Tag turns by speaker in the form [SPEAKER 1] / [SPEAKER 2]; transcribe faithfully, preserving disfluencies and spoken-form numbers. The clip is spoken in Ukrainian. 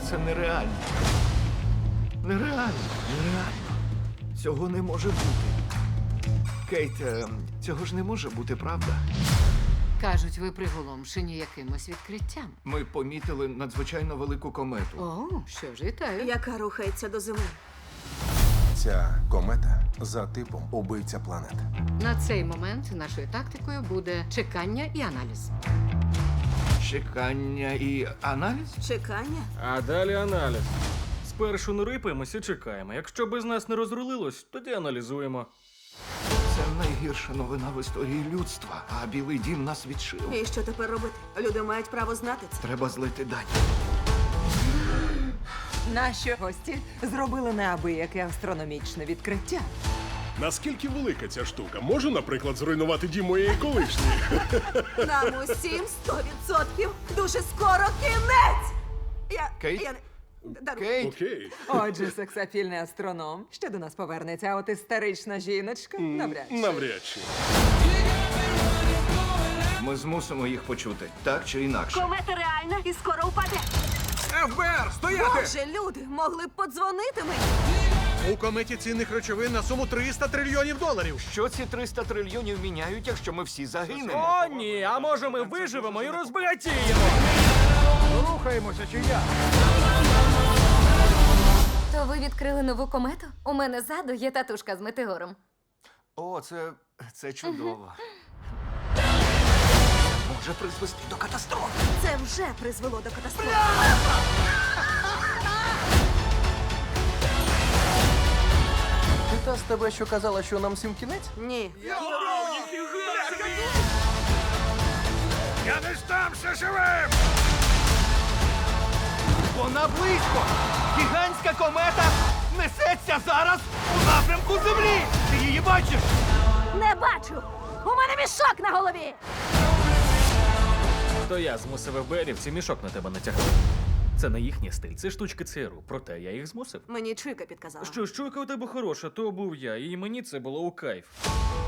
[SPEAKER 1] Це нереально. Нереально, нереально. Цього не може бути. Кейт, е, цього ж не може бути, правда?
[SPEAKER 2] Кажуть, ви приголомшені якимось відкриттям.
[SPEAKER 1] Ми помітили надзвичайно велику комету.
[SPEAKER 2] О, що ж, вітаю.
[SPEAKER 3] Яка рухається до Землі.
[SPEAKER 4] Ця комета за типом убивця планет.
[SPEAKER 2] На цей момент нашою тактикою буде чекання і аналіз.
[SPEAKER 1] Чекання і аналіз?
[SPEAKER 3] Чекання?
[SPEAKER 5] А далі аналіз. Спершу не рипаємося, чекаємо. Якщо без нас не розрулилось, тоді аналізуємо.
[SPEAKER 1] Це найгірша новина в історії людства, а Білий дім нас відшив.
[SPEAKER 3] І що тепер робити? Люди мають право знати це.
[SPEAKER 1] Треба злити дані.
[SPEAKER 6] Наші гості зробили неабияке астрономічне відкриття.
[SPEAKER 7] Наскільки велика ця штука? Може, наприклад, зруйнувати дім моєї колишньої?
[SPEAKER 3] Нам усім сто відсотків дуже скоро кінець! Я...
[SPEAKER 1] Кейт?
[SPEAKER 3] Я не... Даруй.
[SPEAKER 1] Кейт!
[SPEAKER 7] Окей.
[SPEAKER 6] Отже, сексапільний астроном ще до нас повернеться, а от істерична жіночка навряд чи.
[SPEAKER 7] Навряд чи.
[SPEAKER 1] Ми змусимо їх почути, так чи інакше.
[SPEAKER 3] Комета реальна і скоро впаде.
[SPEAKER 8] еф бе ер, стояти!
[SPEAKER 3] Боже, люди, могли б подзвонити мені.
[SPEAKER 8] У кометі цінних речовин на суму триста трильйонів доларів.
[SPEAKER 1] Що ці триста трильйонів міняють, якщо ми всі загинемо?
[SPEAKER 5] О, ні, а може ми виживемо і розбагатіємо?
[SPEAKER 8] Рухаємося чи як?
[SPEAKER 9] То ви відкрили нову комету? У мене ззаду є татушка з метеором.
[SPEAKER 1] О, це... це чудово. Може призвести до катастрофи.
[SPEAKER 3] Це вже призвело до катастрофи.
[SPEAKER 4] Ти та з тебе, що казала, що нам всім кінець?
[SPEAKER 3] Ні.
[SPEAKER 8] Я не здамся живим!
[SPEAKER 1] Вона близько! Гігантська комета несеться зараз у напрямку Землі! Ти її бачиш?
[SPEAKER 3] Не бачу! У мене мішок на голові!
[SPEAKER 5] То я змусив еф бе ерівці мішок на тебе натягнути. Це не їхній стиль, це штучки ЦРУ. Проте я їх змусив.
[SPEAKER 3] Мені чуйка підказала.
[SPEAKER 5] Що ж, чуйка у тебе хороша, то був я, і мені це було у кайф.